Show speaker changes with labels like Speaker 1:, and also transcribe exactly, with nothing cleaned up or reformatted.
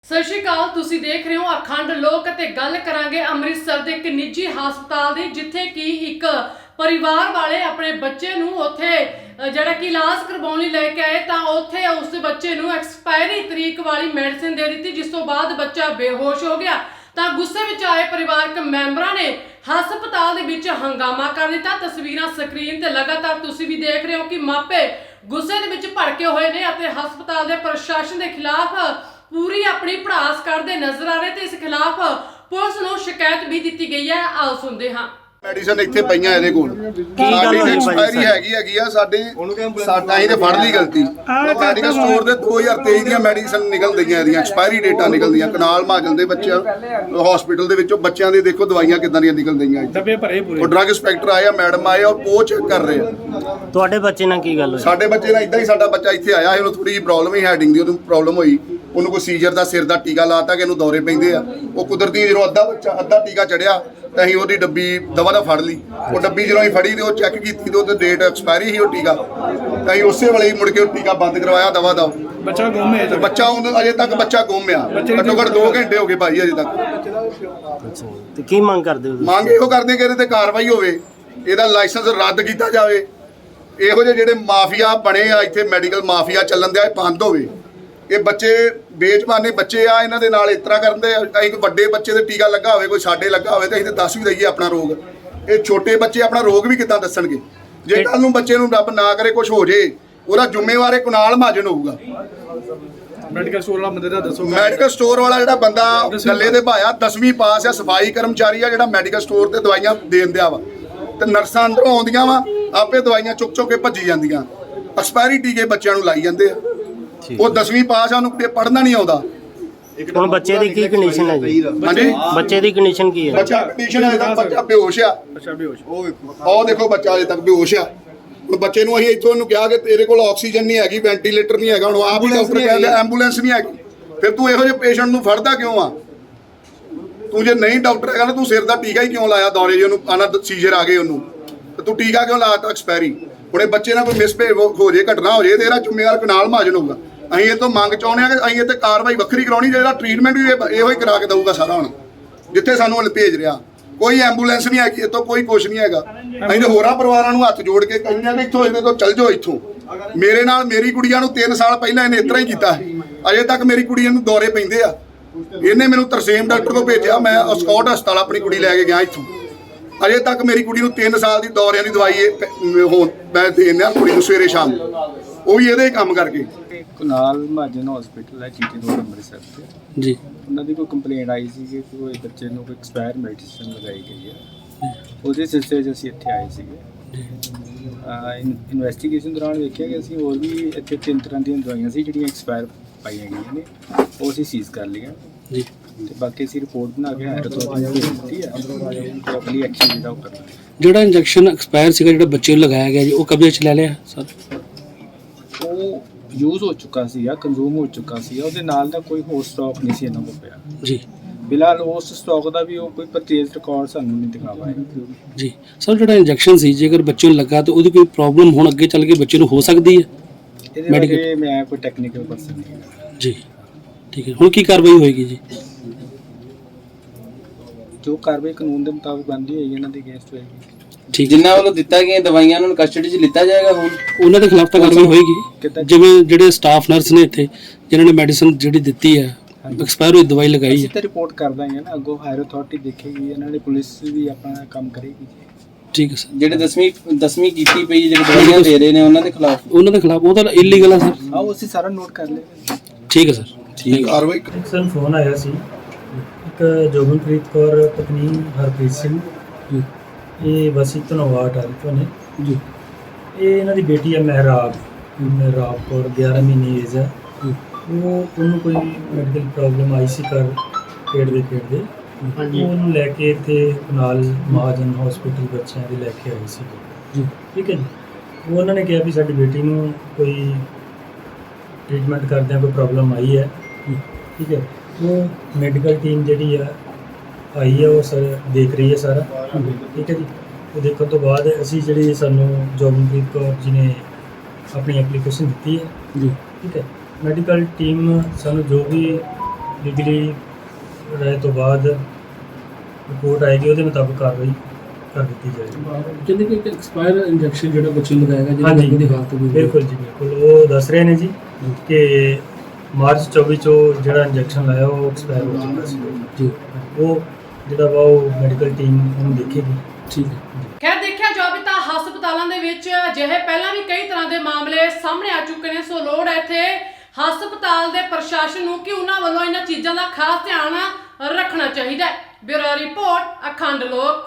Speaker 1: ਸਤਿ ਸ਼੍ਰੀ ਅਕਾਲ। ਤੁਸੀਂ ਦੇਖ ਰਹੇ ਹੋ ਅਖੰਡ ਲੋਕ ਅਤੇ ਗੱਲ ਕਰਾਂਗੇ ਅੰਮ੍ਰਿਤਸਰ ਦੇ ਇੱਕ ਨਿੱਜੀ ਹਸਪਤਾਲ ਦੀ, ਜਿੱਥੇ ਕਿ ਇੱਕ ਪਰਿਵਾਰ ਵਾਲੇ ਆਪਣੇ ਬੱਚੇ ਨੂੰ ਉੱਥੇ ਜਿਹੜਾ ਕਿ ਇਲਾਜ ਕਰਵਾਉਣ ਲਈ ਲੈ ਕੇ ਆਏ ਤਾਂ ਉੱਥੇ ਉਸ ਬੱਚੇ ਨੂੰ ਐਕਸਪਾਇਰੀ ਤਰੀਕ ਵਾਲੀ ਮੈਡੀਸਿਨ ਦੇ ਦਿੱਤੀ, ਜਿਸ ਤੋਂ ਬਾਅਦ ਬੱਚਾ ਬੇਹੋਸ਼ ਹੋ ਗਿਆ। ਤਾਂ ਗੁੱਸੇ ਵਿੱਚ ਆਏ ਪਰਿਵਾਰਕ ਮੈਂਬਰਾਂ ਨੇ ਹਸਪਤਾਲ ਦੇ ਵਿੱਚ ਹੰਗਾਮਾ ਕਰ ਦਿੱਤਾ। ਤਸਵੀਰਾਂ ਸਕਰੀਨ ਤੇ ਲਗਾਤਾਰ ਤੁਸੀਂ ਵੀ ਦੇਖ ਰਹੇ ਹੋ ਕਿ ਮਾਪੇ ਗੁੱਸੇ ਦੇ ਵਿੱਚ ਭੜਕੇ ਹੋਏ ਨੇ ਅਤੇ ਹਸਪਤਾਲ ਦੇ ਪ੍ਰਸ਼ਾਸਨ ਦੇ ਖਿਲਾਫ पूरी अपनी भड़ास करते नजर आ रहे थे। इस खिलाफ पुलिस को शिकायत भी दी गई है। आओ सुनते हाँ।
Speaker 2: ਮੈਡੀਸਨ ਇੱਥੇ ਪਈਆਂ ਇਹਦੇ ਕੋਲ ਸਾਡੀ ਐਕਸਪਾਇਰੀ ਹੈਗੀ ਹੈਗੀ ਆ ਸਾਡੇ ਸਾਡਾ ਹੀ ਤੇ ਫੜ ਲਈ ਗਲਤੀ। ਮੈਡੀਕਲ ਸਟੋਰ ਦੇ ਦੋ ਹਜ਼ਾਰ ਤੇਈ ਦੀਆਂ ਮੈਡੀਸਨ ਨਿਕਲ ਗਈਆਂ, ਇਹਦੀਆਂ ਐਕਸਪਾਇਰੀ ਡੇਟਾਂ ਨਿਕਲਦੀਆਂ। ਕਨਾਲ ਮਾਜਲ ਦੇ ਬੱਚਿਆਂ ਹਸਪੀਟਲ ਦੇ ਵਿੱਚੋਂ ਬੱਚਿਆਂ ਦੇ ਦੇਖੋ ਦਵਾਈਆਂ ਕਿੱਦਾਂ ਦੀਆਂ ਨਿਕਲ ਗਈਆਂ। ਡੱਬੇ ਭਰੇ ਪੂਰੇ। ਉਹ ਡਰੱਗ ਇੰਸਪੈਕਟਰ ਆਏ ਆ, ਮੈਡਮ ਆਏ ਔਰ ਉਹ ਚੈੱਕ ਕਰ ਰਹੇ ਆ।
Speaker 3: ਤੁਹਾਡੇ ਬੱਚੇ ਨਾਲ ਕੀ ਗੱਲ ਹੋਈ?
Speaker 2: ਸਾਡੇ ਬੱਚੇ ਨਾਲ ਇਦਾਂ ਹੀ, ਸਾਡਾ ਬੱਚਾ ਇੱਥੇ ਆਇਆ ਸੀ, ਉਹਨੂੰ ਥੋੜੀ ਜਿਹੀ ਪ੍ਰੋਬਲਮ ਹੀ ਹੈਡਿੰਗ ਦੀ ਉਹਨੂੰ ਪ੍ਰੋਬਲਮ ਹੋਈ। ਉਹਨੂੰ ਕੋਈ ਸੀਜ਼ਰ ਦਾ ਸਿਰ ਦਾ ਟੀਕਾ ਲਾਤਾ ਕਿ ਇਹਨੂੰ ਦੌਰੇ ਪੈਂਦੇ ਆ। ਉਹ ਕੁਦਰਤੀ ਜਦੋਂ ਅੱਧਾ ਬੱਚਾ ਅੱਧਾ ਟੀਕਾ ਚੜਿਆ ਤਾਂ ਅਸੀਂ ਉਹਦੀ ਡੱਬੀ ਦਵਾ ਦਾ ਫੜ ਲਈ। ਉਹ ਡੱਬੀ ਜਦੋਂ ਅਸੀਂ ਫੜੀ ਤੇ ਉਹ ਚੈੱਕ ਕੀਤੀ ਤੇ ਉਹਦੀ ਡੇਟ ਐਕਸਪਾਇਰੀ ਸੀ ਉਹ ਟੀਕਾ, ਤਾਂ ਅਸੀਂ ਉਸੇ ਵੇਲੇ ਹੀ ਮੁੜ ਕੇ ਉਹ ਟੀਕਾ ਬੰਦ ਕਰਵਾਇਆ ਦਵਾ ਦਾ।
Speaker 4: ਬੱਚਾ ਗੁੰਮ ਹੈ।
Speaker 2: ਬੱਚਾ ਅਜੇ ਤੱਕ ਬੱਚਾ ਗੁੰਮ ਆ। ਘੱਟੋ ਘੱਟ ਦੋ ਘੰਟੇ ਹੋ ਗਏ ਭਾਈ ਅਜੇ ਤੱਕ।
Speaker 3: ਤੇ ਕੀ ਮੰਗ ਕਰਦੇ ਹੋ?
Speaker 2: ਮੰਗ ਇਹੋ ਕਰਦੇ ਕਿ ਇਹਦੇ ਤੇ ਕਾਰਵਾਈ ਹੋਵੇ, ਇਹਦਾ ਲਾਇਸੈਂਸ ਰੱਦ ਕੀਤਾ ਜਾਵੇ। ਇਹੋ ਜਿਹੇ ਜਿਹੜੇ ਮਾਫੀਆ ਬਣੇ ਆ ਇੱਥੇ, ਮੈਡੀਕਲ ਮਾਫੀਆ ਚੱਲਣ ਦਿਆ, ਇਹ ਬੰਦ ਹੋਵੇ। ਇਹ ਬੱਚੇ ਬੇਜ਼ਬਾਨੇ ਬੱਚੇ ਆ, ਇਹਨਾਂ ਦੇ ਨਾਲ ਇਸ ਤਰ੍ਹਾਂ ਕਰਦੇ। ਅਸੀਂ ਕੋਈ ਵੱਡੇ ਬੱਚੇ ਦੇ ਟੀਕਾ ਲੱਗਾ ਹੋਵੇ, ਕੋਈ ਸਾਡੇ ਲੱਗਾ ਹੋਵੇ, ਤਾਂ ਅਸੀਂ ਤਾਂ ਦੱਸ ਵੀ ਦਈਏ ਆਪਣਾ ਰੋਗ। ਇਹ ਛੋਟੇ ਬੱਚੇ ਆਪਣਾ ਰੋਗ ਵੀ ਕਿੱਦਾਂ ਦੱਸਣਗੇ? ਜੇ ਕੱਲ ਨੂੰ ਬੱਚੇ ਨੂੰ ਰੱਬ ਨਾ ਕਰੇ ਕੁਝ ਹੋ ਜੇ, ਉਹਦਾ ਜ਼ਿੰਮੇਵਾਰ ਇਹ ਕੁਨਾਲ ਮਹਾਜਨ ਹੋਊਗਾ।
Speaker 4: ਮੈਡੀਕਲ ਸਟੋਰ ਵਾਲਾ ਬੰਦੇ ਦਾ ਦੱਸੋ।
Speaker 2: ਮੈਡੀਕਲ ਸਟੋਰ ਵਾਲਾ ਜਿਹੜਾ ਬੰਦਾ ਗੱਲੇ ਦੇ ਭਾਇਆ ਦਸਵੀਂ ਪਾਸ ਆ, ਸਫਾਈ ਕਰਮਚਾਰੀ ਆ, ਜਿਹੜਾ ਮੈਡੀਕਲ ਸਟੋਰ ਤੇ ਦਵਾਈਆਂ ਦੇਣ ਦਿਆ ਵਾ, ਤੇ ਨਰਸਾਂ ਅੰਦਰੋਂ ਆਉਂਦੀਆਂ ਵਾ, ਆਪੇ ਦਵਾਈਆਂ ਚੁੱਕ ਚੁੱਕ ਕੇ ਭੱਜੀ ਜਾਂਦੀਆਂ। ਐਕਸਪਾਇਰੀ ਟੀਕੇ ਬੱਚਿਆਂ ਨੂੰ ਲਾਈ ਜਾਂਦੇ ਆ। ਉਹ ਦਸਵੀਂ ਪਾਸ ਆ, ਉਹਨੂੰ ਪੜ੍ਹਨਾ ਨਹੀਂ ਆਉਂਦਾ।
Speaker 3: ਹੁਣ ਬੱਚੇ ਦੀ ਕੀ ਕੰਡੀਸ਼ਨ ਹੈ ਜੀ?
Speaker 2: ਹਾਂਜੀ,
Speaker 3: ਬੱਚੇ ਦੀ ਕੰਡੀਸ਼ਨ ਕੀ ਹੈ?
Speaker 2: ਬੱਚਾ ਕੰਡੀਸ਼ਨ ਅਜੇ ਤੱਕ ਬੱਚਾ ਬੇਹੋਸ਼ ਆ।
Speaker 4: ਅੱਛਾ ਬੇਹੋਸ਼।
Speaker 2: ਉਹ ਦੇਖੋ ਬੱਚਾ ਅਜੇ ਤੱਕ ਬੇਹੋਸ਼ ਆ। ਹੁਣ ਬੱਚੇ ਨੂੰ ਅਸੀਂ ਇੱਥੋਂ ਇਹਨੂੰ ਕਿਹਾ ਕਿ ਤੇਰੇ ਕੋਲ ਆਕਸੀਜਨ ਨਹੀਂ ਹੈਗੀ, ਵੈਂਟੀਲੇਟਰ ਨਹੀਂ ਹੈਗਾ। ਹੁਣ ਆਪ ਹੀ ਡਾਕਟਰ ਕਹਿੰਦੇ ਐਂਬੂਲੈਂਸ ਨਹੀਂ ਹੈਗੀ। ਫਿਰ ਤੂੰ ਇਹੋ ਜਿਹੇ ਪੇਸ਼ੈਂਟ ਨੂੰ ਫੜਦਾ ਕਿਉਂ ਆ? ਤੂੰ ਜੇ ਨਹੀਂ ਡਾਕਟਰ ਹੈਗਾ ਨਾ, ਤੂੰ ਸਿਰ ਦਾ ਟੀਕਾ ਹੀ ਕਿਉਂ ਲਾਇਆ ਦੌਰੇ ਜੇ ਉਹਨੂੰ ਆਣਾ ਸੀਜ਼ਰ ਆ ਗਏ ਉਹਨੂੰ, ਤੇ ਤੂੰ ਟੀਕਾ ਕਿਉਂ ਲਾਤਾ ਐਕਸਪਾਇਰੀ? ਹੁਣ ਇਹ ਬੱਚੇ ਨਾਲ ਕੋਈ ਮਿਸਬਿਹੇਵ ਹੋ ਜੇ, ਘਟਨਾ ਹੋ ਜੇ, ਤੇ ਇਹਦਾ ਜ਼ਿੰਮੇਵਾਰ ਕਨਾਲ ਮਹਾਜਨ ਹੋਊਗਾ। ਅਸੀਂ ਇਹ ਤੋਂ ਮੰਗ ਚਾਹੁੰਦੇ ਹਾਂ ਕਿ ਅਸੀਂ ਇਹ ਤੇ ਕਾਰਵਾਈ ਵੱਖਰੀ ਕਰਾਉਣੀ, ਜਿਹੜਾ ਟ੍ਰੀਟਮੈਂਟ ਵੀ ਇਹੋ ਹੀ ਕਰਾ ਕੇ ਦਊਗਾ ਸਾਰਾ। ਹੁਣ ਜਿੱਥੇ ਸਾਨੂੰ ਭੇਜ ਰਿਹਾ, ਕੋਈ ਐਂਬੂਲੈਂਸ ਨਹੀਂ ਹੈਗੀ, ਇੱਥੋਂ ਕੋਈ ਕੁਛ ਨਹੀਂ ਹੈਗਾ। ਅਸੀਂ ਤੇ ਹੋਰਾਂ ਪਰਿਵਾਰਾਂ ਨੂੰ ਹੱਥ ਜੋੜ ਕੇ ਕਹਿੰਦੇ ਹਾਂ ਕਿ ਇੱਥੋਂ ਇਹਦੇ ਤੋਂ ਚੱਲ ਜਾਓ ਇੱਥੋਂ। ਮੇਰੇ ਨਾਲ ਮੇਰੀ ਕੁੜੀਆਂ ਨੂੰ ਤਿੰਨ ਸਾਲ ਪਹਿਲਾਂ ਇਹਨੇ ਇਸ ਤਰ੍ਹਾਂ ਹੀ ਕੀਤਾ, ਅਜੇ ਤੱਕ ਮੇਰੀ ਕੁੜੀਆਂ ਨੂੰ ਦੌਰੇ ਪੈਂਦੇ ਆ। ਇਹਨੇ ਮੈਨੂੰ ਤਰਸੇਮ ਡਾਕਟਰ ਕੋਲ ਭੇਜਿਆ, ਮੈਂ ਸਕਾਟ ਹਸਪਤਾਲ ਆਪਣੀ ਕੁੜੀ ਲੈ ਕੇ ਗਿਆ ਇੱਥੋਂ। ਅਜੇ ਤੱਕ ਮੇਰੀ ਕੁੜੀ ਨੂੰ ਤਿੰਨ ਸਾਲ ਦੀ ਦੌਰਿਆਂ ਦੀ ਦਵਾਈ ਹੁਣ ਮੈਂ ਦੇਣਾ ਕੁੜੀ ਨੂੰ ਸਵੇਰੇ ਸ਼ਾਮ, ਉਹ ਵੀ ਇਹਦੇ ਕੰਮ ਕਰਕੇ।
Speaker 5: ਕੁਨਾਲ ਮਹਾਜਨ ਹਸਪੀਟਲ ਹੈ ਜੀਟੀ ਰੋਡ ਅੰਮ੍ਰਿਤਸਰ ਤੇ
Speaker 3: ਜੀ।
Speaker 5: ਉਹਨਾਂ ਦੀ ਕੋਈ ਕੰਪਲੇਂਟ ਆਈ ਸੀ ਕਿ ਕੋਈ ਬੱਚੇ ਨੂੰ ਕੋਈ ਐਕਸਪਾਇਰ ਮੈਡੀਸਿਨ ਲਗਾਈ ਗਈ ਹੈ। ਉਹਦੇ ਸਿਲਸਿਲੇ 'ਚ ਅਸੀਂ ਇੱਥੇ ਆਏ ਸੀਗੇ। ਇਨਵੈਸਟੀਗੇਸ਼ਨ ਦੌਰਾਨ ਵੇਖਿਆ ਕਿ ਅਸੀਂ ਹੋਰ ਵੀ ਇੱਥੇ ਤਿੰਨ ਤਰ੍ਹਾਂ ਦੀਆਂ ਦਵਾਈਆਂ ਸੀ ਜਿਹੜੀਆਂ ਐਕਸਪਾਇਰ ਪਾਈਆਂ ਗਈਆਂ ਨੇ, ਉਹ ਅਸੀਂ ਸੀਜ਼ ਕਰ ਲਈਆਂ ਜੀ। ਤੇ ਬਾਕੀ ਅਸੀਂ ਰਿਪੋਰਟ ਬਣਾ ਕੇ ਹਾਇਰ ਅਥਾਰਟੀ ਨੂੰ ਭੇਜ ਦਿੱਤੀ ਹੈ ਤੇ ਅਗਲੀ ਐਕਸ਼ਨ ਜਿਹੜਾ ਉਹ ਕਰਨਾ।
Speaker 6: ਜਿਹੜਾ ਇੰਜੈਕਸ਼ਨ ਐਕਸਪਾਇਰ ਸੀਗਾ, ਜਿਹੜਾ ਬੱਚੇ ਨੂੰ ਲਗਾਇਆ ਗਿਆ ਜੀ, ਉਹ ਕਬਜ਼ੇ 'ਚ ਲੈ ਲਿਆ ਸਰ?
Speaker 5: ਉਹ ਯੂਜ਼ ਹੋ ਚੁੱਕਾ ਸੀ ਜਾਂ ਕੰਜ਼ੂਮ ਹੋ ਚੁੱਕਾ ਸੀ, ਉਹਦੇ ਨਾਲ ਦਾ ਕੋਈ ਹੋਰ ਸਟਾਕ ਨਹੀਂ ਸੀ ਇਹਨਾਂ ਕੋਲ ਪਿਆ
Speaker 6: ਜੀ।
Speaker 5: ਫਿਲਹਾਲ ਉਸ ਸਟਾਕ ਦਾ ਵੀ ਉਹ ਕੋਈ ਪਰਚੇਜ਼ ਰਿਕਾਰਡ ਸਾਨੂੰ ਨਹੀਂ ਦਿਖਾ ਪਾਇਆ
Speaker 6: ਜੀ। ਸਰ ਜਿਹੜਾ ਇੰਜੈਕਸ਼ਨ ਸੀ, ਜੇਕਰ ਬੱਚੇ ਨੂੰ ਲੱਗਾ ਤਾਂ ਉਹਦੀ ਕੋਈ ਪ੍ਰੋਬਲਮ ਹੁਣ ਅੱਗੇ ਚੱਲ ਕੇ ਬੱਚੇ ਨੂੰ ਹੋ ਸਕਦੀ ਹੈ?
Speaker 5: ਇਹਦੇ ਬਾਰੇ ਮੈਂ ਕੋਈ ਟੈਕਨੀਕਲ ਪਰਸਨ ਨਹੀਂ
Speaker 6: ਜੀ। ਠੀਕ ਹੈ, ਹੁਣ ਕੀ ਕਾਰਵਾਈ ਹੋਏਗੀ ਜੀ?
Speaker 5: ਜੋ ਕਾਰਵਾਈ ਕਾਨੂੰਨ ਦੇ ਮੁਤਾਬਕ ਬਣਦੀ ਹੋਏਗੀ ਇਹਨਾਂ ਦੀ ਅਗੇਂਸਟ ਹੋਏਗੀ।
Speaker 6: ਠੀਕ।
Speaker 7: ਜਿਨ੍ਹਾਂ ਵੱਲੋਂ ਦਿੱਤਾ ਗਿਆ ਦਵਾਈਆਂ ਨੂੰ ਕਸਟਡੀ 'ਚ ਲਿੱਤਾ ਜਾਏਗਾ। ਹੁਣ
Speaker 6: ਉਹਨਾਂ ਦੇ ਖਿਲਾਫ ਤਾਂ ਕਾਰਵਾਈ ਹੋਏਗੀ, ਜਿਵੇਂ ਜਿਹੜੇ ਸਟਾਫ ਨਰਸ ਨੇ ਇੱਥੇ ਜਿਨ੍ਹਾਂ ਨੇ ਮੈਡੀਸਨ ਜਿਹੜੀ ਦਿੱਤੀ ਹੈ, ਐਕਸਪਾਇਰ ਹੋਈ ਦਵਾਈ ਲਗਾਈ
Speaker 5: ਅਸੀਂ
Speaker 6: ਹੈ।
Speaker 5: ਤਾਂ ਰਿਪੋਰਟ ਕਰ ਦਾਂਗੇ ਨਾ, ਅੱਗੋਂ ਹਾਇਰ ਅਥਾਰਟੀ ਦੇਖੇਗੀ, ਇਹਨਾਂ ਦੀ ਪੁਲਿਸ ਵੀ ਆਪਣਾ ਕੰਮ ਕਰੇਗੀ।
Speaker 6: ਠੀਕ ਹੈ ਸਰ।
Speaker 7: ਜਿਹੜੇ ਦਸਵੀਂ ਦਸਵੀਂ ਕੀਤੀ ਪਈ ਜਿਹੜੇ ਦਵਾਈਆਂ ਦੇ ਰਹੇ ਨੇ ਉਹਨਾਂ ਦੇ ਖਿਲਾਫ
Speaker 6: ਉਹਨਾਂ ਦੇ ਖਿਲਾਫ ਉਹ ਤਾਂ ਇਲੀਗਲ ਆ ਸਰ।
Speaker 5: ਆਓ ਅਸੀਂ ਸਾਰਾ ਨੋਟ ਕਰ ਲਏ।
Speaker 6: ਠੀਕ ਹੈ ਸਰ।
Speaker 2: ਠੀਕ ਕਾਰਵਾਈ।
Speaker 8: ਇੱਕ ਸਾਨੂੰ ਫੋਨ ਆਇਆ ਸੀ, ਇੱਕ ਜੋਗਨਪ੍ਰੀਤ ਕੌਰ ਪਤਨੀ ਹਰਪ੍ਰੀਤ ਸਿੰਘ, ਇਹ ਵਸੀ ਧਨਵਾਟ ਆ ਤੋਂ ਨੇ ਜੀ। ਇਹ ਇਹਨਾਂ ਦੀ ਬੇਟੀ ਹੈ ਮਹਿਰਾਬ ਮਹਿਰਾਬ ਕੌਰ, ਗਿਆਰਾਂ ਮਹੀਨੇ ਏਜ ਹੈ। ਉਹ ਉਹਨੂੰ ਕੋਈ ਮੈਡੀਕਲ ਪ੍ਰੋਬਲਮ ਆਈ ਸੀ ਘਰ ਖੇਡਦੇ ਖੇਡਦੇ, ਉਹਨੂੰ ਲੈ ਕੇ ਇੱਥੇ ਨਾਲ ਮਹਾਜਨ ਹਸਪੀਟਲ ਬੱਚਿਆਂ ਦੇ ਲੈ ਕੇ ਆਏ ਸੀ ਜੀ। ਠੀਕ ਹੈ ਜੀ। ਉਹ ਉਹਨਾਂ ਨੇ ਕਿਹਾ ਵੀ ਸਾਡੀ ਬੇਟੀ ਨੂੰ ਕੋਈ ਟ੍ਰੀਟਮੈਂਟ ਕਰਦਿਆਂ ਕੋਈ ਪ੍ਰੋਬਲਮ ਆਈ ਹੈ। ਠੀਕ ਹੈ। ਉਹ ਮੈਡੀਕਲ ਟੀਮ ਜਿਹੜੀ ਆ ਆਈ ਹੈ, ਉਹ ਸਰ ਦੇਖ ਰਹੀ ਹੈ ਸਾਰਾ। ਠੀਕ ਹੈ ਜੀ। ਉਹ ਦੇਖਣ ਤੋਂ ਬਾਅਦ ਅਸੀਂ ਜਿਹੜੀ ਸਾਨੂੰ ਜੋਗਨਪ੍ਰੀਤ ਕੌਰ ਜੀ ਨੇ ਆਪਣੀ ਐਪਲੀਕੇਸ਼ਨ ਦਿੱਤੀ ਹੈ ਜੀ। ਠੀਕ ਹੈ। ਮੈਡੀਕਲ ਟੀਮ ਸਾਨੂੰ ਜੋ ਵੀ ਲੀਗਲੀ ਰਾਏ ਤੋਂ ਬਾਅਦ ਰਿਪੋਰਟ ਆਏਗੀ, ਉਹਦੇ ਮੁਤਾਬਕ ਕਾਰਵਾਈ ਕਰ ਦਿੱਤੀ ਜਾਏਗੀ।
Speaker 6: ਕਹਿੰਦੇ ਕਿ ਇੱਕ ਐਕਸਪਾਇਰ ਇੰਜੈਕਸ਼ਨ ਜਿਹੜਾ ਬੱਚੇ ਨੂੰ ਲਗਾਇਆ ਗਿਆ ਜਿਹਦੇ
Speaker 8: ਹਾਂਜੀ
Speaker 6: ਉਹਦੀ ਹਾਲਤ ਵੀ
Speaker 8: ਬਿਲਕੁਲ ਜੀ ਬਿਲਕੁਲ, ਉਹ ਦੱਸ ਰਹੇ ਨੇ ਜੀ ਕਿ ਮਾਰਚ ਚੌਵੀ ਚੋਂ ਜਿਹੜਾ ਇੰਜੈਕਸ਼ਨ ਲਾਇਆ ਉਹ ਐਕਸਪਾਇਰ ਹੋ ਚੁੱਕਾ ਸੀ
Speaker 6: ਜੀ।
Speaker 8: ਉਹ ਜਿਹੜਾ ਵਾ ਉਹ ਮੈਡੀਕਲ ਟੀਮ ਉਹਨੂੰ ਦੇਖੇਗੀ।
Speaker 6: ਠੀਕ ਹੈ।
Speaker 1: ਖੈਰ ਦੇਖਿਆ ਜਾਵੇ ਤਾਂ ਹਸਪਤਾਲਾਂ ਦੇ ਵਿੱਚ ਅਜਿਹੇ ਪਹਿਲਾਂ ਵੀ ਕਈ ਤਰ੍ਹਾਂ ਦੇ ਮਾਮਲੇ ਸਾਹਮਣੇ ਆ ਚੁੱਕੇ ਨੇ, ਸੋ ਲੋੜ ਹੈ ਇੱਥੇ ਹਸਪਤਾਲ ਦੇ ਪ੍ਰਸ਼ਾਸਨ ਨੂੰ ਕਿ ਉਹਨਾਂ ਵੱਲੋਂ ਇਹਨਾਂ ਚੀਜ਼ਾਂ ਦਾ ਖਾਸ ਧਿਆਨ ਰੱਖਣਾ ਚਾਹੀਦਾ ਹੈ। ਬਿਊਰੋ ਰਿਪੋਰਟ, ਅਖੰਡ ਲੋਕ।